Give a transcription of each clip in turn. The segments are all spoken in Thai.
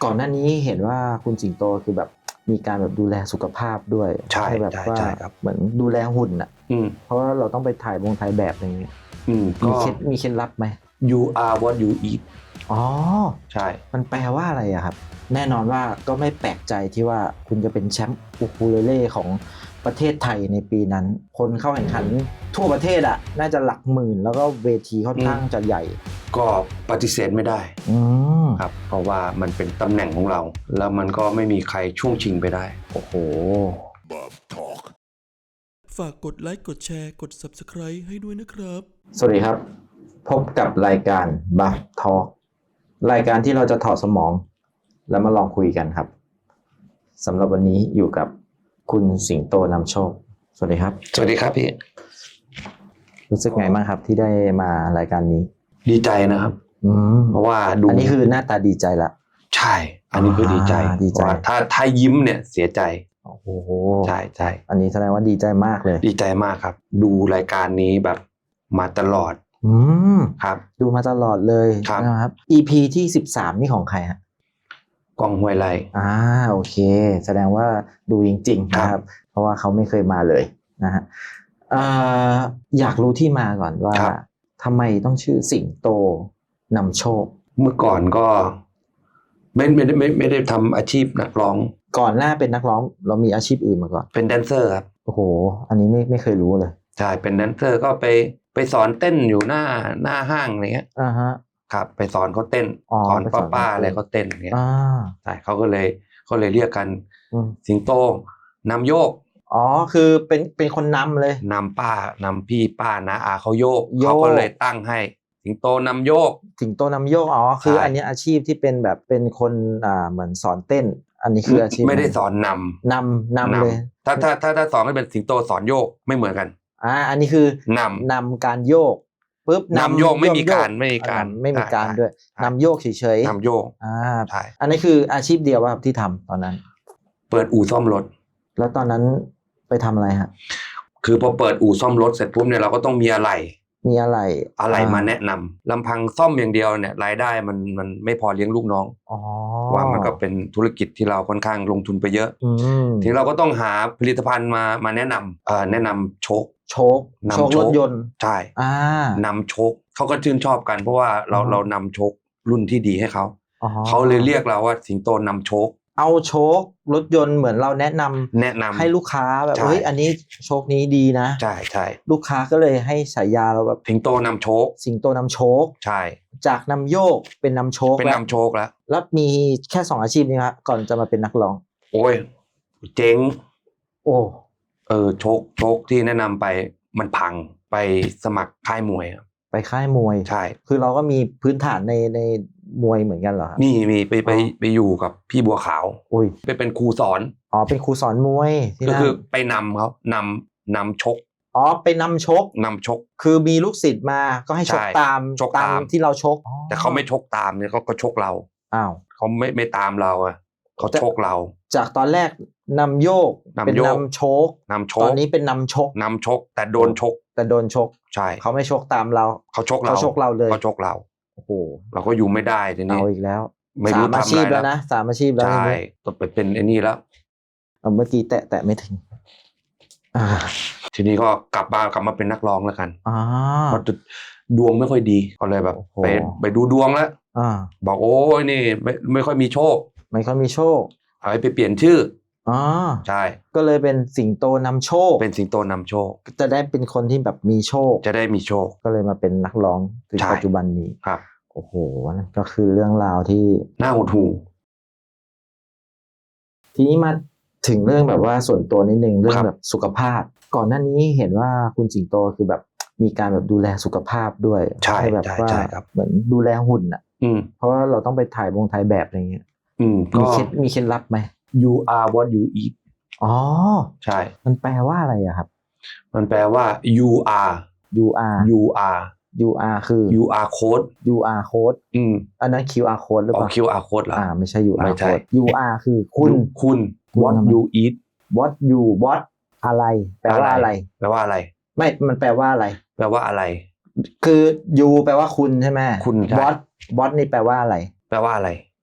ก่อนหน้านี้เห็นว่าคุณสิงโตคือแบบมีการแบบดูแลสุขภาพด้วยใช่แบบว่าเหมือนดูแลหุ่นอ่ะเพราะว่าเราต้องไปถ่ายแบบอะไรเงี้ยมีเคล็ดลับไหม You are what you eat อ๋อใช่มันแปลว่าอะไรอะครับแน่นอนว่าก็ไม่แปลกใจที่ว่าคุณจะเป็นแชมป์อูคูเลเล่ของประเทศไทยในปีนั้นคนเข้าแข่งขันทั่วประเทศอะน่าจะหลักหมื่นแล้วก็เวทีค่อนข้างจะใหญ่ก็ปฏิเสธไม่ได้ครับเพราะว่ามันเป็นตำแหน่งของเราแล้วมันก็ไม่มีใครช่วงชิงไปได้โอ้โหฝากกดไลค์กดแชร์กด Subscribe ให้ด้วยนะครับสวัสดีครับพบกับรายการ Buff Talk รายการที่เราจะถอดสมองแล้วมาลองคุยกันครับสำหรับวันนี้อยู่กับคุณสิงโตนำโชคสวัสดีครับสวัสดีครับพี่รู้สึกไงบ้างครับที่ได้มารายการนี้ดีใจนะครับเพราะว่าดูอันนี้คือหน้าตาดีใจละใช่อันนี้คือดีใจถ้ายิ้มเนี่ยเสียใจโอ้โหใช่ใช่อันนี้แสดงว่าดีใจมากเลยดีใจมากครับดูรายการนี้แบบมาตลอดครับดูมาตลอดเลยนะครับ EP ที่13นี่ของใครฮะกองห้วยไร่โอเคแสดงว่าดูจริงๆนะครับเพราะว่าเขาไม่เคยมาเลยนะฮะอยากรู้ที่มาก่อนว่าทำไมต้องชื่อสิงโตนำโชคเมื่อก่อนก็ไม่ได้ทำอาชีพนักร้องก่อนหน้าเป็นนักร้องเรามีอาชีพอื่นมาก่อนเป็นแดนเซอร์ครับโอ้โหอันนี้ไม่เคยรู้เลยใช่เป็นแดนเซอร์ก็ไปสอนเต้นอยู่หน้าห้างอะไรเงี้ยครับไปสอนเขาเต้นสอนป้าอะไรเขาเต้นอย่างเงี้ยใช่เขาเลยเรียกกันสิงโตนำโยกคือเป็นคนนำเลยนำพี่ป้านะเขาโยกเขาก็เลยตั้งให้สิงโตนำโยกสิงโตนำโยกคืออันนี้อาชีพที่เป็นแบบเป็นคนเหมือนสอนเต้นอันนี้คืออาชีพไม่ได้สอนนำเลยถ้าสอนให้เป็นสิงโตสอนโยกไม่เหมือนกันอันนี้คือนำการโยกปุ๊บนำโยกไม่มีการด้วยนำโยกเฉยๆนำโยกใช่อันนี้คืออาชีพเดียวว่าที่ทำตอนนั้นเปิดอู่ซ่อมรถแล้วตอนนั้นไปทำอะไรฮะคือพอเปิดอู่ซ่อมรถเสร็จปุ๊บเนี่ยเราก็ต้องมีอะไรมาแนะนำลำพังซ่อมอย่างเดียวเนี่ยรายได้มันไม่พอเลี้ยงลูกน้องว่ามันก็เป็นธุรกิจที่เราค่อนข้างลงทุนไปเยอะทีเราก็ต้องหาผลิตภัณฑ์มาแนะนำโชครถยนต์ใช่นำโชคเขาก็ชื่นชอบกันเพราะว่าเรานำโชครุ่นที่ดีให้เขาเลยเรียกเราว่าสิงโตนำโชคเอาโชครถยนต์เหมือนเราแนะนำให้ลูกค้าแบบเฮ้ยอันนี้โชคนี้ดีนะใช่ลูกค้าก็เลยให้ฉายาเราแบบสิงโตนำโชคใช่จากนำโยกเป็นนำโชคแล้วมีแค่2อาชีพนี้ครับก่อนจะมาเป็นนักร้องโอ้ยเจ๊งโชคที่แนะนำไปมันพังไปสมัครค่ายมวยไปค่ายมวยใช่คือเราก็มีพื้นฐานในมวยเหมือนกันเหรอครับมีไปอยู่กับพี่บัวขาวไปเป็นครูสอนเป็นครูสอนมวยก็คือไปนำเขานำชกไปนำชกคือมีลูกศิษย์มาก็ให้ชกตามที่เราชกแต่เขาไม่ชกตามเนี่ยก็ชกเราเขาไม่ตามเราเขาชกเราจากตอนแรกนำโยกเป็นนำชกตอนนี้เป็นนำชกแต่โดนชกใช่เขาไม่ชกตามเราเขาชกเราเลยเขาชกเราโอ้โหเราก็อยู่ไม่ได้ทีนี้เอาอีกแล้วไม่รู้ทำอะไรแล้วนะ3อาชีพแล้วใช่ต้องไปเป็นไอ้นี่แล้วเมื่อกี้แตะไม่ถึงทีนี้ก็กลับมาเป็นนักร้องแล้วกันเพราะดวงไม่ค่อยดีก็เลยแบบไปดูดวงแล้วบอกโอ้ยนี่ไม่ค่อยมีโชคเอาไปเปลี่ยนชื่อใช่ก็เลยเป็นสิงโตนำโชคจะได้เป็นคนที่แบบมีโชคก็เลยมาเป็นนักร้องถึงปัจจุบันนี้ครับโอ้โหก็คือเรื่องราวที่น่าหดหู่ทีนี้มาถึงเรื่องแบบว่าส่วนตัวนิดนึงเรื่องแบบสุขภาพก่อนหน้านี้เห็นว่าคุณสิงโตคือแบบมีการแบบดูแลสุขภาพด้วยใช่แบบว่าเหมือนดูแลหุ่นเพราะว่าเราต้องไปถ่ายแบบอะไรเงี้ยมีเคล็ดลับไหม You are what you eat ใช่มันแปลว่าอะไรอะครับมันแปลว่า you are คือ QR code อันนั้น QR code หรือเปล่า QR code เหรอไม่ใช่ QR code UR คือคุณ what you eat what อะไรแปลว่าอะไรไม่มันแปลว่าอะไรคือ you แปลว่าคุณใช่ไหมคุณ what นี่แปลว่าอะไร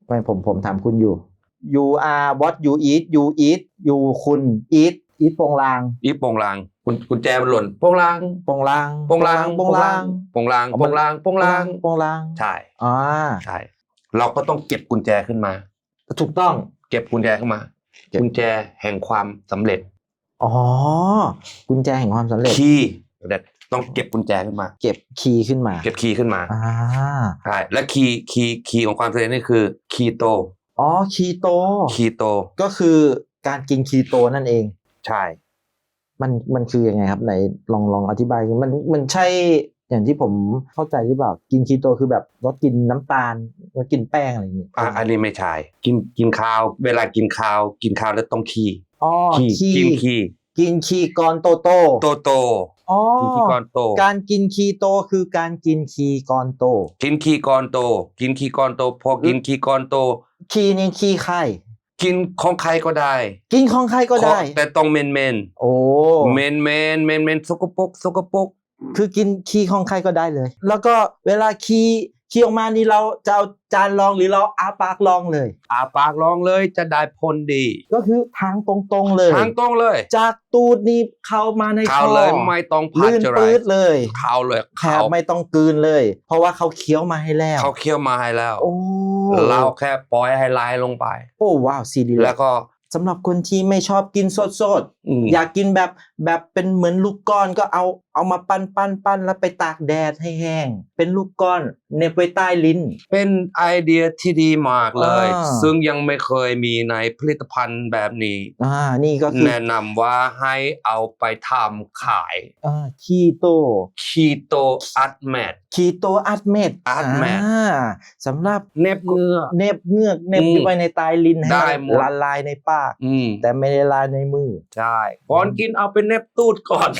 ไม่ผมถามคุณอยู่ you are what you eat you eat you คุณ eat โปงลางอีโปงลางกุญแจมันหล่นโปงลางโปงลางโปงลางโปงลางโปงลางโปงลางโปงลางโปงลางใช่อ่าใช่เราก็ต้องเก็บกุญแจขึ้นมาถูกต้องเก็บกุญแจขึ้นมาเก็บกุญแจแห่งความสำเร็จอ๋อกุญแจแห่งความสำเร็จคีย์ต้องเก็บกุญแจขึ้นมาเก็บคีย์ขึ้นมาเก็บคีย์ขึ้นมาอ่าใช่และคีย์ของความสำเร็จนี่คือคีโตอ๋อคีโตคีโตก็คือการกินคีโตนั่นเองใช่มันคือยังไงครับไหนลองอธิบายมันใช่อย่างที่ผมเข้าใจหรือเปล่ากินคีโตคือแบบลดกินน้ำตาลลดกินแป้งอะไรอย่างงี้อันนี้ไม่ใช่กินข้าวเวลากินข้าวแล้วต้องคีอ๋อกินคีกินคีกรโตโตอ๋อกินคีกรโตการกินคีโตคือการกินคีกรโตกินคีกรโตกินคีกรโตพอกินคีกรโตคีนี่คีไข่กินของใครก็ได้กินของใครก็ได้แต่ต้องเมนโอ้เมนสกปรกคือกินคีของใครก็ได้เลย แล้วก็เวลาคีออกมานี่เราจะเอาจานรองหรือเราอาปากรองเลยอาปากร้องเลยจะได้ผลดีก็คือทางตรงๆเลยทางตรงเลยจากตูดนี่เข้ามาในเข้าคอเลยไม่ต้องพัดลื่นจะไรปื๊ดเลยเข้าเลยแถบไม่ต้องกลืนเลย เพราะว่าเขาเคี้ยวมาให้แล้วเขาเคี่ยวมาให้แล้วโอ้เราแค่ปล่อยให้ไหลลงไปโอ้ว้าวซีดีแล้วก็สำหรับคนที่ไม่ชอบกินสด อยากกินแบบเป็นเหมือนลูกก้อนก็เอามาปั้นแล้วไปตากแดดให้แห้งเป็นลูกก้อนเหน็บไว้ใต้ลิ้นเป็นไอเดียที่ดีมากเลยอ่าซึ่งยังไม่เคยมีในผลิตภัณฑ์แบบนี้นี่ก็คือแนะนำว่าให้เอาไปทำขายคีโตคีโตอัดแมทคีโตอัดเม็ดอัดเม็ดสำหรับเน็บเงือกเน็บเงือกเน็บไว้ในใต้ลิ้นให้ได้หมดละลายในปากอืมแต่ไม่ได้ละลายในมือใช่ก่อนกินเอาไปเน็บตูดก่อน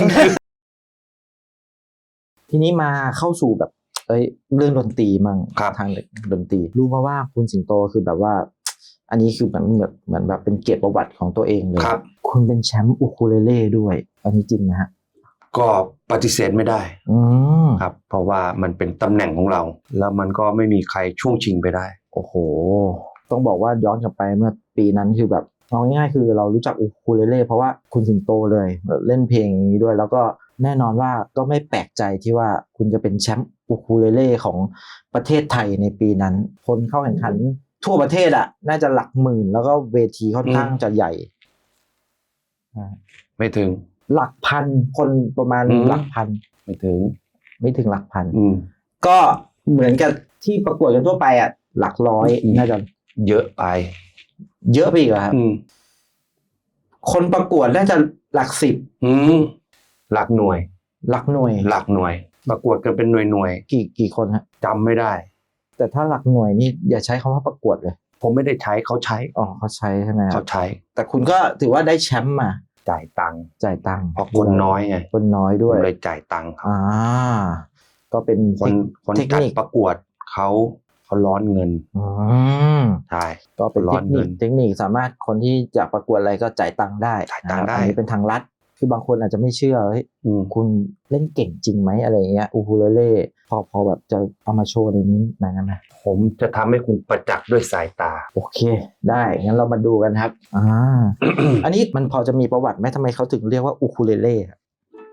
ทีนี้มาเข้าสู่แบบเรื่องดนตรีมั่งครับทางดนตรีรู้มาว่าคุณสิงโตคือแบบว่า อันนี้คือเหมือนแบบเป็นเกียรติประวัติของตัวเองเลยครับคุณเป็นแชมป์อูคูเลเล่ด้วย อันนี้จริงนะฮะก็ปฏิเสธไม่ได้อืมครับ เพราะว่ามันเป็นตำแหน่งของเรา แล้วมันก็ไม่มีใครช่วงชิงไปได้โอ้โห ต้องบอกว่าย้อนกลับไปเมื่อปีนั้นคือแบบเอาง่ายๆคือเรารู้จักอูคูเลเล่เพราะว่าคุณสิงโตเลยเล่นเพลงอย่างนี้ด้วย แล้วก็แน่นอนว่าก็ไม่แปลกใจที่ว่าคุณจะเป็นแชมป์อูคูเลเล่ของประเทศไทยในปีนั้น คนเข้าแข่งขันทั่วประเทศอ่ะน่าจะหลักหมื่นแล้วก็เวทีค่อนข้างจะใหญ่อ่าไม่ถึงหลักพันคนประมาณอืมหลักพันไม่ถึงไม่ถึงหลักพันอืมก็เหมือนกับที่ประกวดกันทั่วไปอ่ะหลักร้อยอืมน่าจะเยอะไปเยอะไปอีกเหรอครับอืมคนประกวดน่าจะหลักสิบอืมหลักหน่วยหลักหน่วยหลักหน่วย ประกวดกันเป็นหน่วยกี่คนฮะจำไม่ได้แต่ถ้าหลักหน่วยนี่อย่าใช้คำว่าประกวดเลยผมไม่ได้ใช้เขาใช้อ๋อเขาใช้ใช่ไหมครัเขาบใช้แต่คุณก็ถือว่าได้แชมป์มาจ่ายตังค์จ่ายตังค์เพราะคนน้อยไงคนน้อยผด้วยมเลยจ่ายตังค์ครับก็เป็นคนเทคจัดนิคประกวดเขาร้อนเงินอืมใช่ก็เป็นร้อนเงินเทคนิคสามารถคนที่จะประกวดอะไรก็จ่ายตังค์ได้จ่ายตังค์ได้อันนี้เป็นทางลัดคือบางคนอาจจะไม่เชื่อเฮ้ยอืมคุณเล่นเก่งจริงไหมอะไรเงี้ยอูคูเลเล่พอแบบจะเอามาโชว์ในนี้หน่อยได้ไหมผมจะทำให้คุณประจักษ์ด้วยสายตาโอเค ได้งั้นเรามาดูกันครับ อันนี้มันพอจะมีประวัติไหมทำไมเขาถึงเรียกว่าอูคูเลเล่ครับ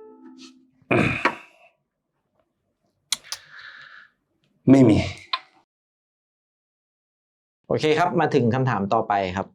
ไม่มีโอเคครับมาถึงคำถามต่อไปครับ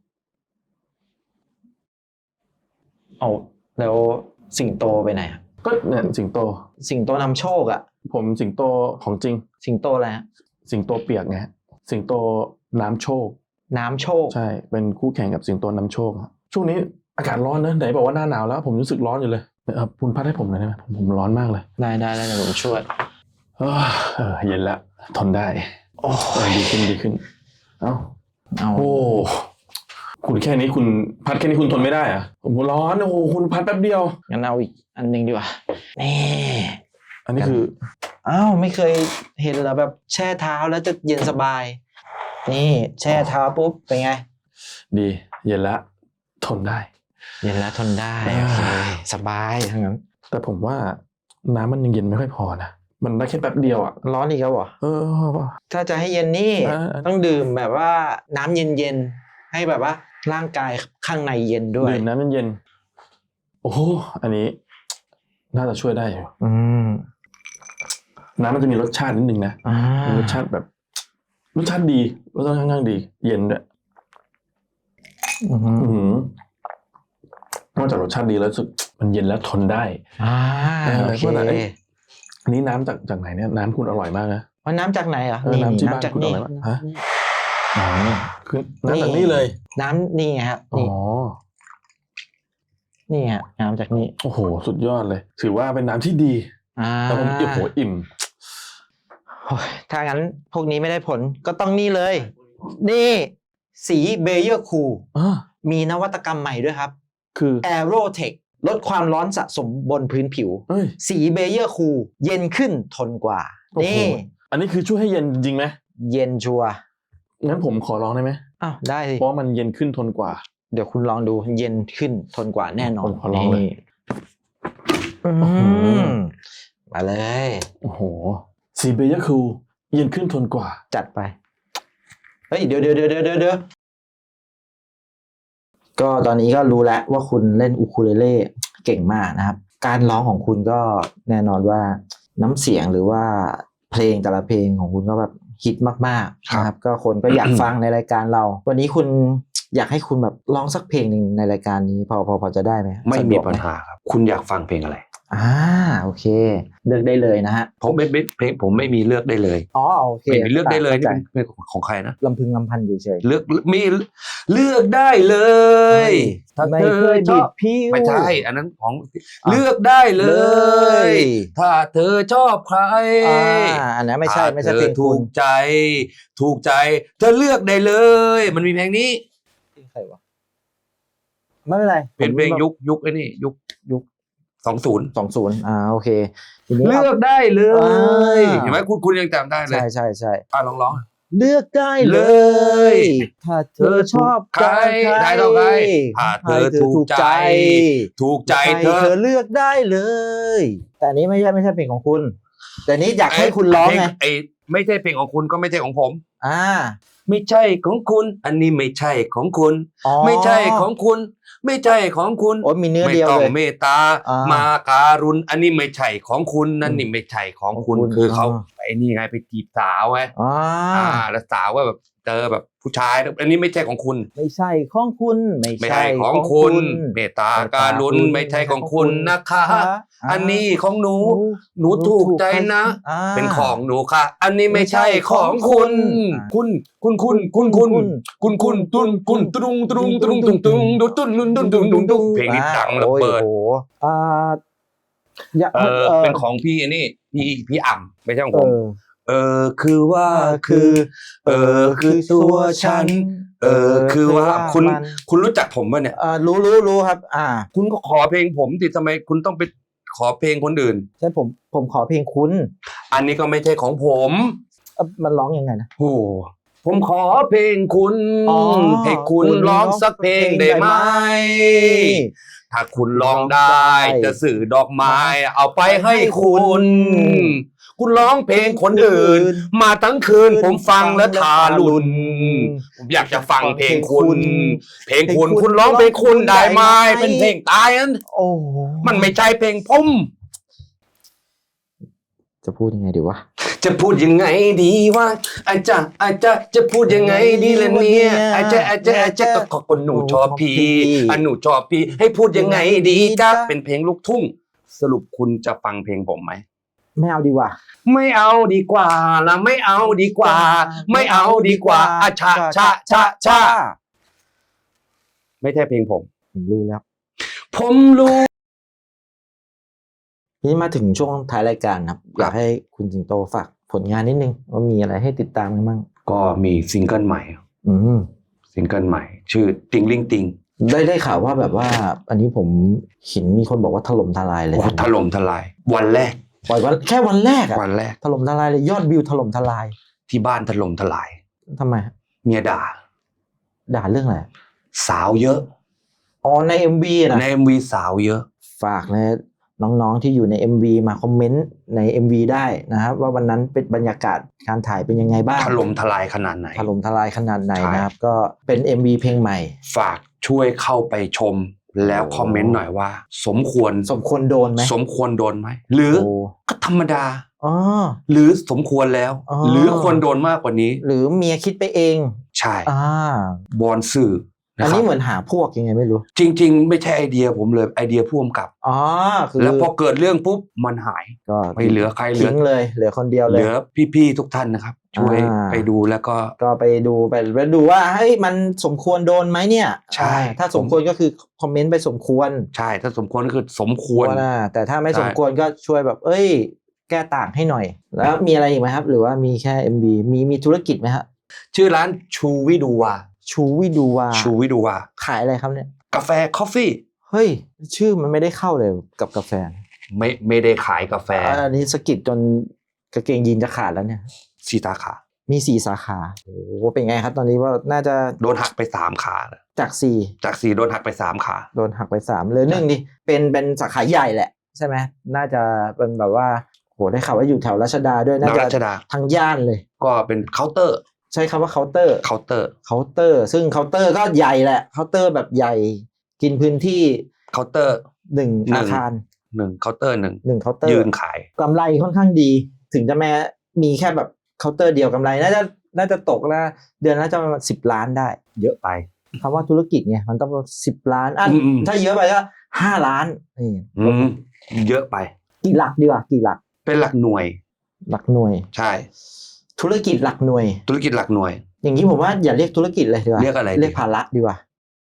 เอาแล้วสิงโตไปไหนครับก็เนี่ยสิงโตสิงโตนำโชคอะผมสิงโตของจริงสิงโตอะไรฮะสิงโตเปียกไงฮะสิงโตน้ำโชคน้ำโชคใช่เป็นคู่แข่งกับสิงโตน้ำโชคครับช่วงนี้อากาศร้อนนะไหนบอกว่าหน้าหนาวแล้ว ผมรู้สึกร้อนอยู่เลยคุณพัดให้ผมหน่อยได้ไหมผมร้อนมากเลยได้เดี๋ยวผมช่วยเย็นละทนได้โอ้ดีขึ้นเอ้าเอาโอ้คุณแค่นี้คุณพัดแค่นี้คุณทนไม่ได้อะผมร้อนโอ้คุณพัดแป๊บเดียวงั้นเอาอีกอันหนึงดีกว่านี่อันนี้คืออ้าวไม่เคยเห็นเหรอแบบแช่เท้าแล้วจะเย็นสบาย นี่แช่เท้าปุ๊บเป็นไงดีเย็นละทนได้เย็นแล้วทนได้โอเคสบายทั้งนั้นแต่ผมว่าน้ำมันยังเย็นไม่ค่อยพอนะมันได้แค่แป๊บเดียวอ่ะร้อนอีกแล้วเหรอป่ะถ้าจะให้เย็นนี่อ่าต้องดื่มแบบว่าน้ำเย็นๆให้แบบว่าร่างกายข้างในเย็นด้วยดื่มน้ำเย็นๆโอ้โหอันนี้ น่าจะช่วยได้อยู่ น้ำมันจะมีรสชาตินิดนึงนะมีรสชาติแบบ รสชาติดีรสชาติค่อนข้างดี เย็นด้วยนอกจากรสชาติดีแล้วรู้สึกมันเย็นแล้วทนได้โอเคอันนี้น้ำจากไหนเนี่ยน้ำคุณอร่อยมากนะว่าน้ำจากไหนอ่ะน้ำที่บ้านจากคุณอนี่ร่อยมากฮะคือน้ำจากนี่เลยน้ำนี่ครับอ๋อนี่ฮะน้ำจากนี่โอ้โหสุดยอดเลย ถือว่าเป็นน้ำที่ดีแต่ผมอิ่มถ้างั้นพวกนี้ไม่ได้ผลก็ต้องนี่เลย นี่สีเบเยอร์คูลมีนวัตกรรมใหม่ด้วยครับคือ Aerotech ลดความร้อนสะสมบนพื้นผิว สีเบเยอร์คูลเย็นขึ้นทนกว่า นี่อันนี้คือช่วยให้เย็นจริงไหมเย็นชัวร์งั้นผมขอลองได้ไหมอ้าวได้สิเพราะมันเย็นขึ้นทนกว่าเดี๋ยวคุณลองดูเย็นขึ้นทนกว่าแน่นอนผมขอลองเลยมาเลยโอ้โหสีเบย์คูเย็นขึ้นทนกว่าจัดไปเฮ้ยเดี๋ยวก็ตอนนี้ก็รู้แล้วว่าคุณเล่นอูคูเลเล่เก่งมากนะครับ การร้องของคุณก็แน่นอนว่าน้ำเสียงหรือว่าเพลงแต่ละเพลงของคุณก็แบบฮิตมากๆนะครับก็คนก็อยากฟังในรายการเรา วันนี้คุณอยากให้คุณแบบร้องสักเพลงหนึ่งในรายการนี้พอจะได้ไหมไม่มีปัญหาครับคุณอยากฟังเพลงอะไรโอเคเลือกได้เลยนะฮะผมเพลงผมไม่มีเลือกได้เลยโอเคไม่มีเลือกได้เลยนี่เป็นเพลงของใครนะลำพึงลำพันเฉยเลือกมีเลือกได้เลยๆไม่เคยบิดผิวไม่ใช่อันนั้นของเลือกได้เลย ถ้าเธอชอบใครอันนั้นไม่ใช่เพลงถูคุณกใจเธอเลือกได้เลย มันมีเพลงนี้ใครวะไม่เป็นไรเป็นเพลงยุคไอ้นี่ยุค20 20โอเคทีนี้เลือกได้เลยเห็นไหมคุณยังจำได้เลยใช่ร้องเลือกได้เลย ถ้าเธอชอบใครได้เท่าไหร่ถ้าเธอถูกใจเธอเลือกได้เลย แต่อันนี้ไม่ใช่เพลงของคุณ แต่นี้อยากให้คุณร้องไงไม่ใช่เพลงของคุณก็ไม่ใช่ของผมไม่ไม่ใช่ของคุณ อันนี้ไม่ใช่ของคุณ ไม่ใช่ของคุณ ไม่ใช่ของคุณโอ้มีเนื้อไม่เดียวต้องเลยเมตตา มาการุณอันนี้ไม่ใช่ของคุณนั่นนี่ไม่ใช่ของคุณของคุณคือเขาไอ้นี่ไงไปจีบสาวไงแล้วสาวว่าแบบเจอแบบผู้ชายอันนี้ไม่ใช่ของคุณไม่ใช่ของคุณไม่ใช่ของคุณ เมตตาการุณไม่ใช่ของคุณนะคะ อันนี้ของหนูถูกใจนะ เป็นของหนูค่ะ อันนี้ไม่ใช่ของคุณคุณตุนเพลงนี้ดังระเบิดเป็นของพี่อันนี้พี่อ่ำไม่ใช่ของผมคือว่าคือตัวฉันคือว่าคุณรู้จักผมป่ะเนี่ยรู้ครับคุณก็ขอเพลงผมสิทำไมคุณต้องไปขอเพลงคนอื่นใช่ผมขอเพลงคุณอันนี้ก็ไม่ใช่ของผมมันร้องยังไงนะโอ้ผมขอเพลงคุณให้คุณร้องสักเพลงได้ไหมถ้าคุณร้องได้จะสื่อดอกไม้เอาไปให้คุณร้องเพลงคนอื่นมาทั้งคืนผมฟังแล้วทารุณผมอยากจะฟังเพลงคุณคุณร้องเพลงคุณได้ไหมเป็นเพลงตายนั้นมันไม่ใช่เพลงผมจะพูดยังไงดีวะจะพูดยังไงดีวะอาจารย์จะพูดยังไงดีล่ะเนี่ยอาจารย์ก็คนหนูชอบพี่หนูชอบพี่ให้พูดยังไงดีจ๊ะเป็นเพลงลูกทุ่งสรุปคุณจะฟังเพลงผมไหมไม่เอาดีกว่าไม่เอาดีกว่าละไม่เอาดีกว่าไม่เอาดีกว่าชาไม่ใช่เพลงผมรู้แล้วผมรู้นี่มาถึงช่วงท้ายรายการครับอยากให้คุณสิงโตฝากผลงานนิดนึงว่ามีอะไรให้ติดตามกันบ้างก็มีซิงเกิลใหม่ซิงเกิลใหม่ชื่อติงลิงติงได้ข่าวว่าแบบว่าอันนี้ผมเห็นมีคนบอกว่าถล่มทลายเลยถล่มทลายวันแรกปล่อยแค่วันแรกถล่มทลายเลยยอดวิวถล่มทลายที่บ้านถล่มทลายทำไมเมียด่าเรื่องอะไรสาวเยอะใน MV นะใน MV สาวเยอะฝากนะน้องๆที่อยู่ใน MV มาคอมเมนต์ใน MV ได้นะครับว่าวันนั้นเป็นบรรยากาศการถ่ายเป็นยังไงบ้างถล่มทลายขนาดไหนถล่มทลายขนาดไหนใช่นะครับก็เป็น MV เพลงใหม่ฝากช่วยเข้าไปชมแล้วคอมเมนต์หน่อยว่า สมควรสมควรโดนไหมสมควรโดนไหมหรือโอ้ก็ธรรมดาอ๋อหรือสมควรแล้วอ๋อหรือควรโดนมากกว่านี้หรือเมียคิดไปเองใช่อ่าบอนสื่อนะอันครันี้บเหมือนหาพวกยังไงไม่รู้จริง ๆ ไม่ใช่ไอเดียผมเลยไอเดียผู้กำกับอ๋อคือแล้วพอเกิดเรื่องปุ๊บมันหายก็ไม่เหลือใครเหลือทิ้งเลยเหลือคนเดียวเหเลยลือพี่ๆทุกท่านนะครับ ช่วยอ่าไปดูแล้วก็ก็ไปดูว่าเฮ้ยมันสมควรโดนไหมเนี่ยใช่ถ้าสมควรก็คือคอมเมนต์ไปสมควรใช่ถ้าสมควรก็คือสมควรนะแต่ถ้าไม่ใช่สมควรก็ช่วยแบบ เอ้ย แก้ต่างให้หน่อย แล้วมีอะไรอีกไหมครับ หรือว่ามีแค่ MV มีธุรกิจไหมฮะชื่อร้านชูวิดูวาชูวิดูวาชูวิดูวาขายอะไรครับเนี่ยกาแฟคอฟฟี่เฮ้ย ชื่อมันไม่ได้เข้าเลยกับกาแฟไม่ได้ขายกาแฟอันนี้สะกิดจนกางเกงยีนจะขาดแล้วเนี่ยสีตาขามี4 สาขาโอ้โหเป็นไงครับตอนนี้ว่าน่าจะโดนหักไป3 ขาแล้วจากจาก4โดนหักไป3 ขา 4โดนหักไป3เหลือ1ดิเป็นสาขาใหญ่แหละใช่ไหมน่าจะเป็นแบบว่าโหได้ข่าวว่าอยู่แถวรัชดาด้วยน่าแถวจะรัชดาทั้งย่านเลยก็เป็นเคาน์เตอร์ใช้คำว่าเคาน์เตอร์เคาน์เตอร์เคาน์เตอร์ซึ่งเคาน์เตอร์ก็ใหญ่แหละเคาน์เตอร์แบบใหญ่กินพื้นที่เคาน์เตอร์ 1 อาคาร 1เคาน์เตอร์ 1เคาน์เตอร์ยืนขายกำไรค่อนข้างดี ถึงจะแม้มีแค่แบบเคาน์เตอร์เดียวกำไรน่าจะตกละเดือนน่าจะประมาณ10 ล้านได้เยอะไปคำว่าธุรกิจไงมันต้อง10 ล้านอ่ะอืมถ้าเยอะไปก็5 ล้านนี่เยอะไปกี่หลักดีกว่ากี่หลักเป็นหลักหน่วยหลักหน่วยใช่ธุรกิจหลักหน่วยธุรกิจหลักหน่วยอย่างนี้ผมว่าอย่าเรียกธุรกิจเลยดีกว่าเรียกอะไรดีเรียกภาระดีกว่า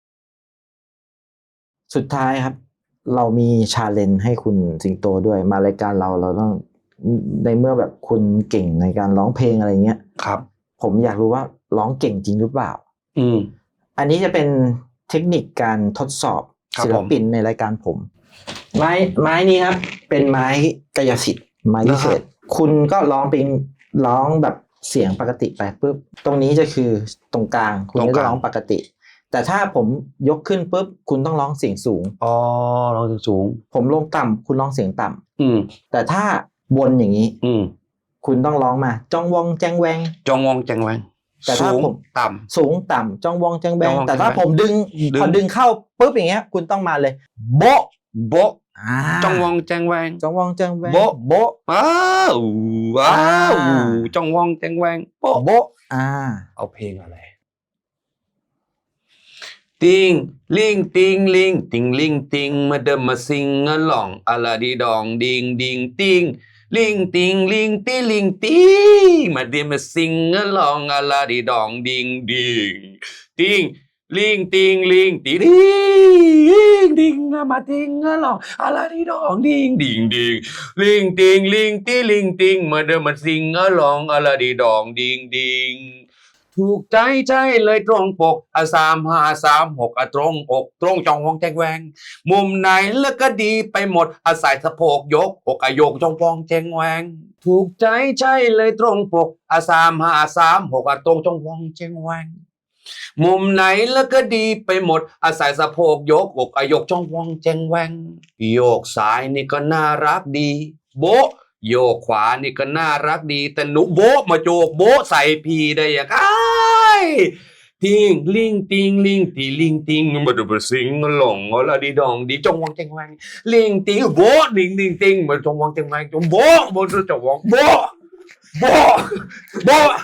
สุดท้ายครับ เรามีชาเลนจ์ให้คุณสิงโตด้วยมารายการเราต้องในเมื่อแบบคุณเก่งในการร้องเพลงอะไรเงี้ยครับผมอยากรู้ว่าร้องเก่งจริงหรือเปล่าอืมอันนี้จะเป็นเทคนิคการทดสอบครับศิลปินในรายการผม ไม้นี้ครับ เป็นไม้กายสิทธิ์ไม้พิเศษคุณก็ร้องเป็นร้องแบบเสียงปกติไปปุ๊บตรงนี้จะคือตรงกลางคุณก็จะร้องปกติ แต่ถ้าผมยกขึ้นปุ๊บคุณต้องร้องเสียงสูงอ๋อร้องสูงผมลงต่ำคุณร้องเสียงต่ำอืมแต่ถ้าบนอย่างนี้อืมคุณต้องร้องมาจ้องวองแจงแวงจองวองแจงแวงแต่ถ้าสูงผมต่สูงต่ำจ้องวองแจงแวจ้อง งวองแต่ถ้าแจงแวงผมดึงดึงพอดึงเข้าปุ๊บอย่างเงี้ย คุณต้องมาเลย โบ๊ะำโบะอ่าจองวองแจงแวงจ้องวองแจงแวงโบ๊ะโบ๊ะอ้าวว้าวอ่าจองวองแจงแวงโป๊ะโบ๊ะเอาเพลงอะไรติงลิงติงลิงติงลิงติงมาเดิมมาซิงอะหล่องอะลาดีดองดิงดิงติงลิงติงลิงติลิงติงมาเดิมมาซิงอะหล่องอะลาดีดองดิงดิงติงลิงติงลิงติดิงดิงมาติงอะหล่องอะลาดีดองดิงดิงดิงลิงติงลิงติลิงติงมาเดิมมาซิงอะหล่องอะลาดีดองดิงดิงถูกใจเลยตรงปก3536ตรงอกตรงจองวองแจงแวงมุมไหนแล้วก็ดีไปหมดใส่สะโพกยกอกโยกจองวองแจงแวงถูกใจเลยตรงปก3536ตรงจองวองแจงแวงมุมไหนแล้วก็ดีไปหมดใส่สะโพกยกอกโยกจองวองแจงแวงโยกซ้ายนี่ก็น่ารักดีโบะโยกขวานี่ก็น่ารักดีแต่หนูโบะมาโจกโบะใส่พี่ได้ยังไงติงลิงติงลิงตีลิงติงมาดูมาสิงหลงละดีดองดีจงวองแจงแวงลิงติงโบะลิงลิงติงมาจงวองแจงแวงจงโบะโบะจงวองโบะโบะโบะ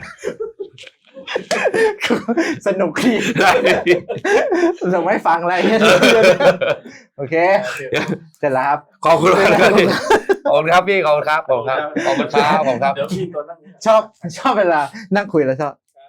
สนุกดีสนุกไม่ฟังอะไรเงี้ยโอเคเสร็จแล้วครับขอบคุณครับขอบคุณครับพี่ขอบคุณครับขอบคุณครับขอบคุณครับขอบคุณครับเดี๋ยวพี่ตัวนั่งชอบเวลานั่งคุยแล้วชอบ